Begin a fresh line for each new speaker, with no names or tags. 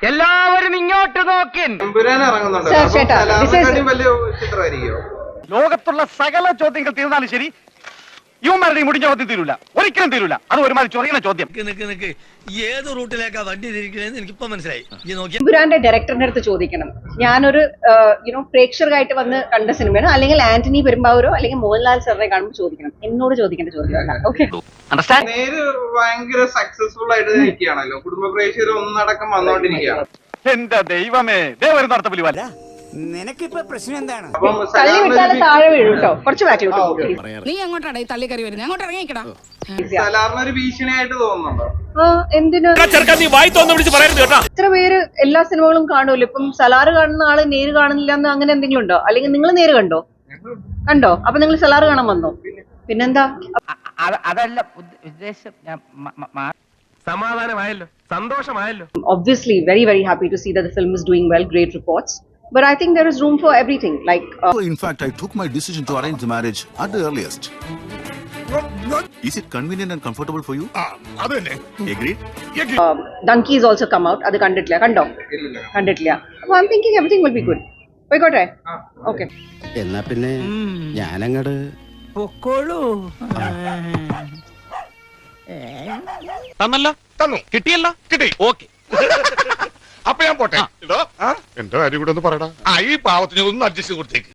എല്ലാവരും ഇങ്ങോട്ട് നോക്കിൻ. ലോകത്തുള്ള സകല ചോദ്യങ്ങൾ തീർന്നാലും ശരി, യുവമാരുടെയും മുടിഞ്ഞ ചോദ്യം തീരൂല, ഒരിക്കലും തീരൂല. അത് ഒരുമാതിരി ചൊറിയുന്ന ചോദ്യം.
ഏത് റൂട്ടിലേക്കാ വണ്ടി തിരിക്കണേന്ന് എനിക്കിപ്പോ മനസ്സിലായി.
എമ്പുരാന്റെ ഡയറക്ടറിന്റെ അടുത്ത് ചോദിക്കണം, ഞാനൊരു പ്രേക്ഷകരായിട്ട് വന്ന് കണ്ട സിനിമയാണ്, അല്ലെങ്കിൽ ആന്റണി പെരുമ്പാവൂരോ അല്ലെങ്കിൽ മോഹൻലാൽ സാറിനെ കാണുമ്പോൾ ചോദിക്കണം. എന്നോട് ചോദിക്കേണ്ട ചോദ്യമല്ല. ഓക്കെ,
ഭയങ്കര സക്സസ്ഫുൾ ആയിട്ട് നിൽക്കുകയാണല്ലോ, കുടുംബ പ്രേക്ഷകർ ഒന്നടക്കം വന്നോണ്ടിരിക്കുകയാണ്.
എന്റെ ദൈവമേ, ദേവരും നടത്തപ്പുലി വല്ല.
നിനക്കിപ്പോ പ്രശ്നം എന്താണ്?
തള്ളി വിട്ടാൽ താഴെ വീഴും കേട്ടോ, കുറച്ച് ബാക്കിലോട്ട്.
നീ അങ്ങോട്ടാണ് ഈ തള്ളിക്കറി വരുന്നത്, അങ്ങോട്ട് ഇറങ്ങിക്കടാ.
സലാറിനൊരു ഭീഷണിയായിട്ട് തോന്നുന്നുണ്ടോ?
എന്തിനാ ഇത്ര പേര് എല്ലാ സിനിമകളും കാണുമല്ലോ. ഇപ്പം സലാറ് കാണുന്ന ആള് നേര് കാണുന്നില്ല എന്ന് അങ്ങനെ എന്തെങ്കിലും ഉണ്ടോ? അല്ലെങ്കിൽ നിങ്ങൾ നേര് കണ്ടോ? അപ്പൊ നിങ്ങൾ സലാറ് കാണാൻ വന്നോ? പിന്നെന്താ?
അതല്ല ഉദ്ദേശം. സമാധാനമായല്ലോ, സന്തോഷമായല്ലോ.
Obviously very very happy to see that the film is doing well, great reports, but I think there is room for everything, like
in fact I took my decision to arrange the marriage at the earliest. Is it convenient and comfortable for you? Adane agreed.
Donkey has also come out. Adu kanditla kando kanditla. So I'm thinking everything will be good. Poikotte. Okay,
എന്നാ പിന്നെ ഞാനങ്ങട് പൊക്കോളൂ.
തന്നല്ലോ, തന്നു, കിട്ടിയല്ലോ, കിട്ടി, okay. അപ്പൊ ഞാൻ പോട്ടെ. എന്തോ എന്റെ കാര്യം കൂടെ ഒന്ന് പറയടാ. ഈ പാവത്തിന് ഒന്ന് അഡ്ജസ്റ്റ് കൊടുത്തേക്ക്.